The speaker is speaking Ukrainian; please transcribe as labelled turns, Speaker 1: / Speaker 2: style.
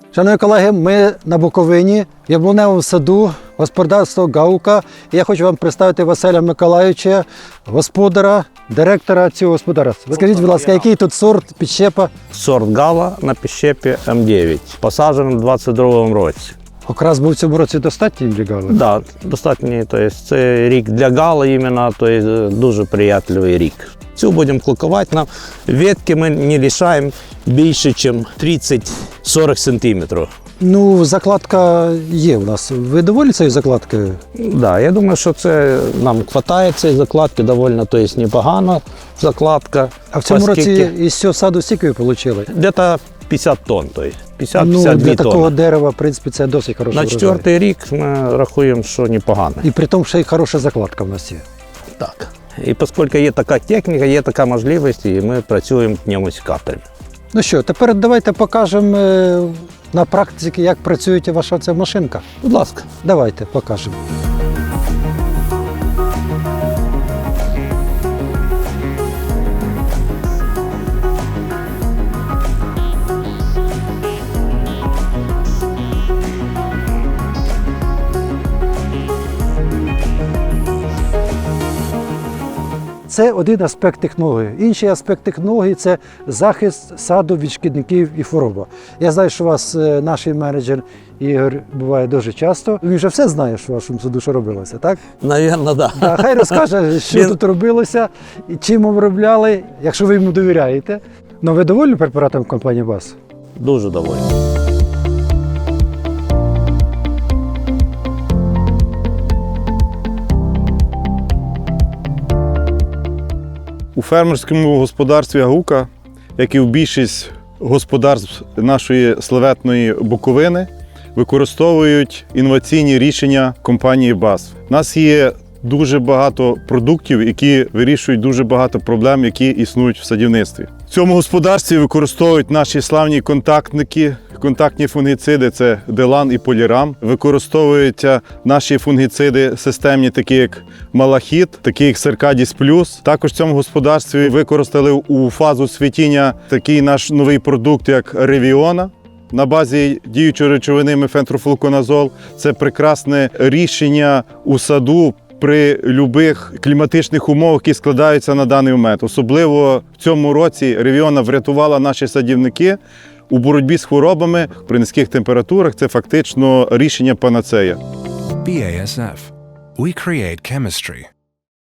Speaker 1: Шановні колеги, ми на Буковині, в яблуневому саду, господарство Гаука. Я хочу вам представити Василя Миколайовича, господара, директора цього господарства. Скажіть, будь ласка, який тут сорт підщепа?
Speaker 2: Сорт Гала на підщепі М9, посаджений у 22-му році.
Speaker 1: Окрас був в цьому році достатній для Гали?
Speaker 2: Так, да, достатньо, тобто це рік для Гала іменно, тобто дуже приятливий рік. Цю будемо клокувати, нам ветки ми не лишаємо більше, ніж 30-40 сантиметрів.
Speaker 1: Ну, закладка є у нас. Ви доволі цією закладкою?
Speaker 2: Да, я думаю, що це нам вистачає цієї закладки, доволі, тобто непогана закладка.
Speaker 1: А в цьому
Speaker 2: оскільки
Speaker 1: році із цього саду скільки ви отримали?
Speaker 2: Десь 50 тонн, тобто 50-52
Speaker 1: Ну, для
Speaker 2: тонни.
Speaker 1: такого дерева, в принципі, це досить хороший
Speaker 2: На
Speaker 1: врожай.
Speaker 2: 4-й рік ми рахуємо, що непогано.
Speaker 1: І при тому, що і хороша закладка в нас є.
Speaker 2: Так. І оскільки є така техніка, є така можливість, і ми працюємо пневмосекаторами.
Speaker 1: Ну що, тепер давайте покажемо на практиці, як працює ваша ця машинка.
Speaker 2: Будь ласка.
Speaker 1: Давайте покажемо. Це один аспект технології. Інший аспект технології – це захист саду від шкідників і хвороби. Я знаю, що у вас наш менеджер Ігор буває дуже часто. Він вже все знає, що в вашому саду що робилося, так?
Speaker 2: Навірно, так.
Speaker 1: Да, хай розкаже, що тут робилося, і чим обробляли, якщо ви йому довіряєте. Ну, ви довольні препаратом компанії БАС?
Speaker 2: Дуже доволі.
Speaker 3: У фермерському господарстві Гаука, як і в більшість господарств нашої славетної Буковини, використовують інноваційні рішення компанії БАС. У нас є дуже багато продуктів, які вирішують дуже багато проблем, які існують в садівництві. В цьому господарстві використовують наші славні контактники, контактні фунгіциди – це Делан і Полірам. Використовуються наші фунгіциди системні, такі як Малахіт, такі як Серкадіс Плюс. Також в цьому господарстві використали у фазу цвітіння такий наш новий продукт, як Ревіона. На базі діючої речовини мефентрофлуконазол. Це прекрасне рішення у саду при будь-яких кліматичних умовах, які складаються на даний момент. Особливо в цьому році Ревіона врятувала наші садівники у боротьбі з хворобами при низьких температурах. Це фактично рішення панацея.
Speaker 4: BASF. We create chemistry.